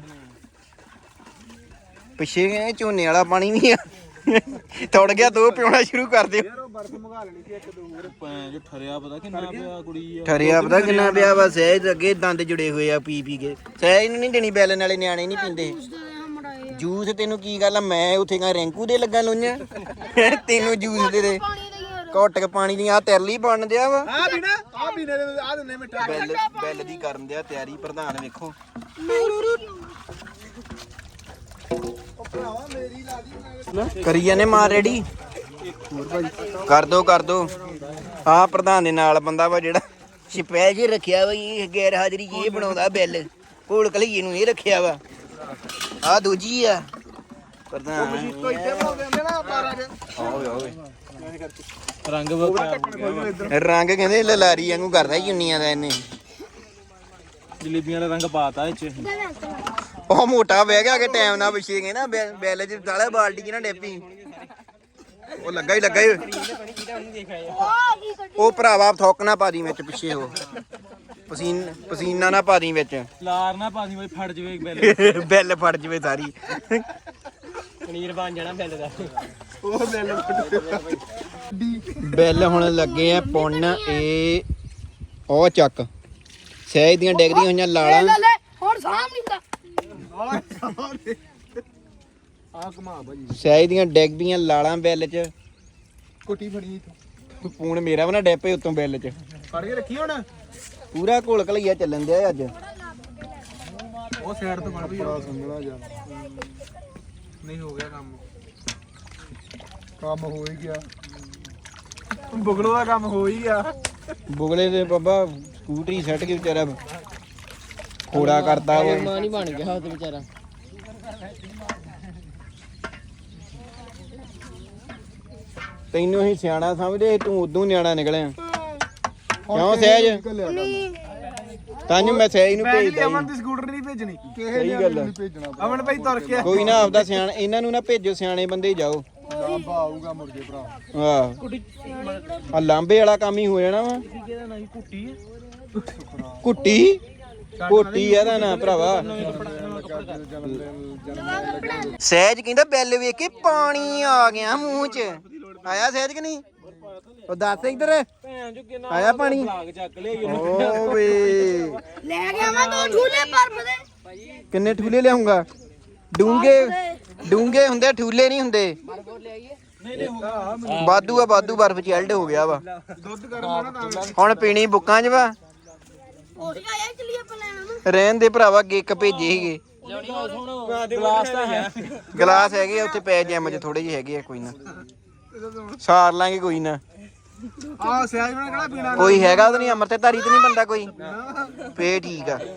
Speaker 1: ਪਿੱਛੇ ਗਏ ਝੋਨੇ ਵਾਲਾ ਪਾਣੀ ਵੀ ਆ ਥੋੜ ਗਿਆ ਦੋ ਪਿਉਣਾ ਸ਼ੁਰੂ ਕਰ ਦਿਓ
Speaker 6: ਭੈਣ ਜੋ ਠਰਿਆ ਪਤਾ ਕਿੰਨਾ ਪਿਆ ਕੁੜੀ ਆ
Speaker 1: ਠਰਿਆ ਪਤਾ ਕਿੰਨਾ ਪਿਆ ਵਾ ਸਹਿਜ ਅੱਗੇ ਦੰਦ ਜੁੜੇ ਹੋਏ ਆ ਪੀ ਪੀ ਕੇ ਸਹਿਜ ਨੂੰ ਨਹੀਂ ਦੇਣੀ ਬੈਲ ਨਾਲੇ ਨਿਆਣੇ ਨਹੀਂ ਪੀਂਦੇ ਜੂਸ ਤੈਨੂੰ ਕੀ ਗੱਲ ਆ ਮੈਂ ਉੱਥੇ ਕਾ ਰੈਂਕੂ ਦੇ ਲੱਗਾ ਲੋਈਆਂ ਤੈਨੂੰ ਜੂਸ ਦੇ ਦੇ ਘੁੱਟ ਕੇ ਪਾਣੀ ਦੀ ਆ ਤਰਲੀ ਬਣ ਦਿਆ ਵਾ
Speaker 4: ਆ ਪੀਣਾ ਆ ਪੀਣੇ ਆ ਦਿੰਨੇ ਮਿੱਠਾ
Speaker 1: ਬੈਲ ਬੈਲ ਦੀ ਕਰਨ ਦਿਆ ਤਿਆਰੀ ਪ੍ਰਧਾਨ ਵੇਖੋ ਕਰੀ ਜਾਂਦੇ ਮਾਰ ਰੈਡੀ ਕਰ ਦੋ ਕਰ ਦੋ ਆ ਪ੍ਰਧਾਨ ਦੇ ਨਾਲ ਬੰਦਾ ਵਾ ਜਿਹੜਾ ਸਪੈਸ਼ਲ ਜੇ ਰੱਖਿਆ ਵਾ ਇਹ ਗੈਰ ਹਾਜ਼ਰੀ ਇਹ ਬਣਾਉਂਦਾ ਬਿੱਲ ਕੋਲ ਕਲੀਏ ਨੂੰ ਇਹ ਰੱਖਿਆ ਵਾ ਆ ਦੂਜੀ ਆ ਪ੍ਰਧਾਨ
Speaker 4: ਕੋਈ ਇੱਥੇ ਬਣਾਉਂਦੇ ਹੁੰਦੇ ਨਾ ਬਾਰਾਂ ਚ
Speaker 1: ਓਏ ਓਏ
Speaker 6: ਰੰਗ ਬਤਾ
Speaker 1: ਰੰਗ ਕਹਿੰਦੇ ਲਲਾਰੀ ਵਾਂਗੂ ਕਰਦਾ ਯੂਨੀਆਂ ਦਾ ਇਹਨੇ
Speaker 6: ਜਲੇਬੀਆਂ ਦਾ ਰੰਗ ਪਾਤਾ ਇਹ ਚ
Speaker 1: ਉਹ ਮੋਟਾ ਬਹਿ ਗਿਆ ਕਿ ਟਾਈਮ ਨਾਲ ਪਿੱਛੇ ਗਏ ਨਾ ਬੈ- ਬੈਲ ਚ ਸਾਲਾ ਬਾਲਟੀ ਚ ਨਾ ਡੇਪੀ ਉਹ ਲੱਗਾ ਹੀ ਲੱਗਾ ਹੀ ਉਹ ਭਰਾਵਾ ਥੋਕਣਾ ਪਾ ਦੀ ਵਿੱਚ ਪਿੱਛੇ ਉਹ ਪਸੀਨ ਪਸੀਨਾ ਨਾ ਪਾ ਦੀ ਵਿੱਚ
Speaker 6: ਲਾਰ ਨਾ ਪਾਸੀ ਬਈ ਫੜ ਜਵੇ ਬਿੱਲ
Speaker 1: ਬੈਲ ਫੜ ਜਵੇ ਸਾਰੀ
Speaker 6: ਪਨੀਰ ਬਣ ਜਾਣਾ ਬਿੱਲ ਦਾ
Speaker 5: ਉਹ ਬੈਲ
Speaker 1: ਬੈਲ ਹੁਣ ਲੱਗੇ ਆ ਪੁੰਨ ਇਹ ਉਹ ਚੱਕ ਸਹਿਜ ਦੀਆਂ ਡਿੱਗਦੀਆਂ ਹੋਈਆਂ ਲਾਲਾਂ
Speaker 3: ਲੈ ਲੈ ਹੁਣ ਸਾਹਮ ਨਹੀਂ ਹੁੰਦਾ
Speaker 5: ਆ ਕਮਾ ਭਾਜੀ
Speaker 1: ਸਹਿਜ ਦੀਆਂ ਡਿੱਗਦੀਆਂ ਲਾਲਾਂ ਬੈਲ ਚ
Speaker 5: ਕੋਟੀ ਫੜੀ ਇੱਥੋਂ
Speaker 1: ਫੋਨ ਮੇਰਾ ਵੀ ਨਾ ਡੈਪੇ ਉੱਤੋਂ ਬੈਲ ਚ
Speaker 4: ਫੜ ਕੇ ਰੱਖੀ ਹੁਣ
Speaker 1: ਪੂਰਾ ਘੋਲ ਘਲਈਆ ਚੱਲਣ ਦਿਆ ਅੱਜ
Speaker 4: ਉਹ ਸਾਈਡ ਤੋਂ ਫੜ ਵੀ
Speaker 5: ਬੜਾ ਸੰਗਣਾ ਜਾ
Speaker 4: ਨਹੀਂ ਹੋ ਗਿਆ ਕੰਮ
Speaker 5: ਕੰਮ ਹੋ ਹੀ ਗਿਆ
Speaker 4: ਬੁਗਲੋ ਦਾ ਕੰਮ ਹੋ ਹੀ ਗਿਆ
Speaker 1: ਬੁਗਲੇ ਦੇ ਬਾਬਾ ਸਕੂਟਰੀ ਸੱਟ ਕੇ ਵਿਚਾਰਾ ਖੋੜਾ ਕਰਤਾ ਵਾ
Speaker 2: ਮਾਂ ਨਹੀਂ ਬਣ ਗਿਆ ਉਹ ਤੇ ਵਿਚਾਰਾ
Speaker 1: ਤੈਨੂੰ ਅਸੀਂ ਸਿਆਣਾ ਸਮਝਦੇ ਤੂੰ ਉਦੋਂ ਨਿਆਣਾ ਨਿਕਲਿਆ ਕਿਉਂ ਸਹਿਜ ਤਾਂਨੂੰ ਮੈਂ ਸਹਿਜ ਨੂੰ ਭੇਜਦਾ
Speaker 4: ਅਮਨ ਦੀ ਸਕੂਟਰ ਨਹੀਂ ਭੇਜਣੀ
Speaker 5: ਕਿਸੇ
Speaker 1: ਸਹੀ
Speaker 5: ਨੇ
Speaker 1: ਗੱਲ ਆ।
Speaker 5: ਨਹੀਂ ਭੇਜਣਾ
Speaker 4: ਅਮਨ ਭਾਈ ਤੁਰ ਕੇ
Speaker 1: ਕੋਈ ਨਾ ਆਪਦਾ ਸਿਆਣ ਇਹਨਾਂ ਨੂੰ ਨਾ ਭੇਜੋ ਸਿਆਣੇ ਬੰਦੇ ਹੀ ਜਾਓ
Speaker 5: ਲਾਂਬਾ ਆਊਗਾ ਮੁਰਗੇ ਭਰਾ
Speaker 1: ਆਹ ਆ ਲਾਂਬੇ ਵਾਲਾ ਕੰਮ ਹੀ ਹੋ ਜਾਣਾ ਵਾ ਕੁੱਟੀ ਕੋਟੀ ਇਹਦਾ ਨਾ ਭਰਾਵਾ ਸਹਿਜ ਕਹਿੰਦਾ ਬੈਲ ਵੇਖ ਕੇ ਪਾਣੀ ਆ ਗਿਆ ਮੂੰਹ 'ਚ ਆਇਆ ਸਹਿਜ ਕਿ ਨਹੀਂ ਉਹ ਦੱਸ ਇੱਧਰ ਆਇਆ ਪਾਣੀ ਓ ਵੇ
Speaker 3: ਲੈ ਗਿਆ ਮੈਂ ਦੋ ਝੂਲੇ ਬਰਫ ਦੇ
Speaker 1: ਕਿੰਨੇ ਠੂਲੇ ਲਿਆਉਂਗਾ ਡੂੰਗੇ ਡੂੰਗੇ ਹੁੰਦੇ ਠੂਲੇ ਨਹੀਂ ਹੁੰਦੇ ਬਾਦੂ ਆ ਬਾਦੂ ਬਰਫ ਚ ਐਲਡ ਹੋ ਗਿਆ ਵਾ
Speaker 4: ਦੁੱਧ ਗਰਮ ਹੋਣਾ ਤਾਂ
Speaker 1: ਹੁਣ ਪੀਣੀ ਬੁੱਕਾਂ 'ਚ ਵਾ
Speaker 3: ਉਹ ਆਇਆ ਚਲੀ ਆਪਾਂ ਲੈਣਾ ਨਾ
Speaker 1: ਰਹਿਣ ਦੇ ਭਰਾਵਾ ਗਿੱਕ ਭੇਜੇ ਸੀਗੇ
Speaker 6: ਗਲਾਸ ਤਾਂ ਹੈ
Speaker 1: ਗਲਾਸ ਹੈਗੇ ਆ ਉੱਥੇ ਪੈ ਜਿਮ 'ਚ ਥੋੜੇ ਜਿਹੇ ਹੈਗੇ ਆ ਕੋਈ ਨਾ ਸਾਰ ਲਾਂਗੇ ਕੋਈ ਨਾ
Speaker 4: ਆ ਸਿਆਜ ਬਣਾ ਕਿਹੜਾ ਪੀਣਾ
Speaker 1: ਕੋਈ ਹੈਗਾ ਉਹਦੇ ਨਹੀਂ ਅਮਰ ਤੇ ਧਾਰੀ ਤੇ ਨਹੀਂ ਬੰਦਾ ਕੋਈ ਫੇ ਠੀਕ ਆ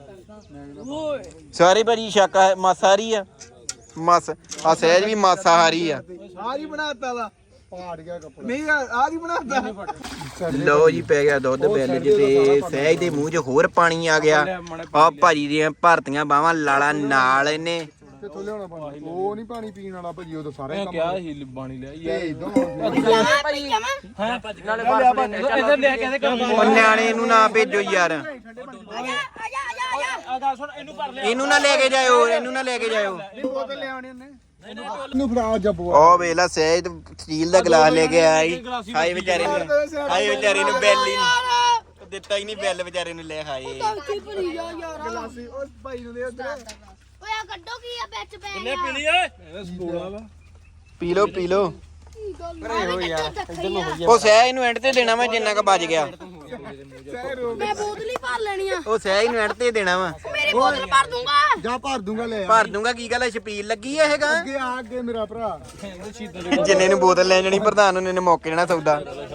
Speaker 1: ਸਾਰੇ ਭਾਜੀ ਸ਼ਾਕਾ ਮਾਸਾਹਾਰੀ ਆ ਮਸ ਆ ਸਹਿਜ ਵੀ ਮਾਸਾਹਾਰੀ ਆ
Speaker 4: ਆ ਜੀ ਬਣਾਤਾ ਵਾ
Speaker 5: ਪਾੜ ਗਿਆ ਕੱਪੜਾ
Speaker 4: ਨਹੀਂ ਆ ਜੀ ਬਣਾਤਾ
Speaker 1: ਲਓ ਜੀ ਪੈ ਗਿਆ ਦੁੱਧ ਬੈਲ ਚ ਤੇ ਸਹਿਜ ਦੇ ਮੂੰਹ 'ਚ ਹੋਰ ਪਾਣੀ ਆ ਗਿਆ ਆ ਭਾਜੀ ਦੀਆਂ ਭਰਤੀਆਂ ਬਾਹਾਂ ਲਾਲਾ ਨਾਲ ਇਹਨੇ
Speaker 5: ਕਿੱਥੋਂ ਲਿਆਉਣਾ ਪਾਣੀ ਉਹ ਨਹੀਂ ਪਾਣੀ ਪੀਣ ਵਾਲਾ ਭਾਜੀ ਉਹ ਤਾਂ ਸਾਰੇ ਕੰਮ
Speaker 6: ਕਿਆ ਹੀ ਬਾਣੀ ਲਿਆ ਯਾਰ
Speaker 5: ਭੇਜ ਦੋ
Speaker 6: ਇਧਰ ਲੈ ਕੇ ਕੰਮ
Speaker 1: ਉਹ ਨਿਆਣੇ ਨੂੰ ਨਾ ਭੇਜੋ ਯਾਰ
Speaker 3: ਆ ਜਾ ਆ ਜਾ ਆ ਜਾ
Speaker 6: ਆ ਗੱਲ ਸੁਣ ਇਹਨੂੰ ਭਰ ਲਿਆ
Speaker 1: ਇਹਨੂੰ ਨਾ ਲੈ ਕੇ ਜਾਇਓ ਇਹਨੂੰ ਨਾ ਲੈ ਕੇ ਜਾਇਓ
Speaker 4: ਬੋਤਲ ਲਿਆਉਣੀ ਉਹਨੇ
Speaker 5: ਨੂੰ ਫੜਾ ਜੱਬੂਆ
Speaker 1: ਉਹ ਵੇਲਾ ਸਹਿਜ ਸਟੀਲ ਦਾ ਗਲਾਸ ਲੈ ਕੇ ਆਇਆ ਈ ਹਾਏ ਵਿਚਾਰੇ ਨੂੰ ਹਾਏ ਵਿਚਾਰੇ ਨੂੰ ਬੈਲ ਹੀ ਨੀ- ਦਿੱਤਾ ਹੀ ਨਹੀਂ ਬੈਲ ਵਿਚਾਰੇ ਨੂੰ ਲੈ ਹਾਏ
Speaker 3: ਕੀ ਭਰੀ ਜਾ ਯਾਰ
Speaker 4: ਗਲਾਸੀ ਉਹ ਭਾਈ ਨੂੰ ਦੇ ਉਧਰ
Speaker 3: ਓਏ ਆ ਕੱਢੋ ਕੀ ਆ ਵਿੱਚ ਪੈ ਗਿਆ
Speaker 6: ਪੀ ਲਈ ਓਏ ਸਪੋਲਾ ਵਾ
Speaker 1: ਪੀ ਲੋ ਪੀ ਲੋ
Speaker 3: ਕੀ ਗੱਲ ਹੋ ਯਾਰ
Speaker 1: ਉਹ ਸਹਿਜ ਨੂੰ ਐਂਡ ਤੇ ਦੇਣਾ ਵਾ ਜਿੰਨਾ ਕ ਬਚ ਗਿਆ
Speaker 3: ਮੈਂ ਬੋਤਲ ਹੀ ਭਰ ਲੈਣੀ ਆ
Speaker 1: ਉਹ ਸਹਿਜ ਨੂੰ ਐਂਡ ਤੇ ਦੇਣਾ ਵਾ
Speaker 3: ਮੇਰੀ ਬੋਤਲ ਭਰ ਦੂੰਗਾ
Speaker 5: ਜਾ ਭਰ ਦੂੰਗਾ ਲੈ ਆ।
Speaker 1: ਭਰ ਦੂੰਗਾ ਕੀ ਗੱਲ ਆ ਛਪੀਲ ਲੱਗੀ ਆ ਹੈਗਾ
Speaker 5: ਅੱਗੇ ਆ ਅੱਗੇ ਮੇਰਾ ਭਰਾ
Speaker 1: ਜਿੰਨੇ ਨੂੰ ਬੋਤਲ ਲੈ ਜਾਣੀ ਪ੍ਰਧਾਨ ਉਹਨੇ ਨੇ ਮੌਕੇ ਨਾ ਸੌਦਾ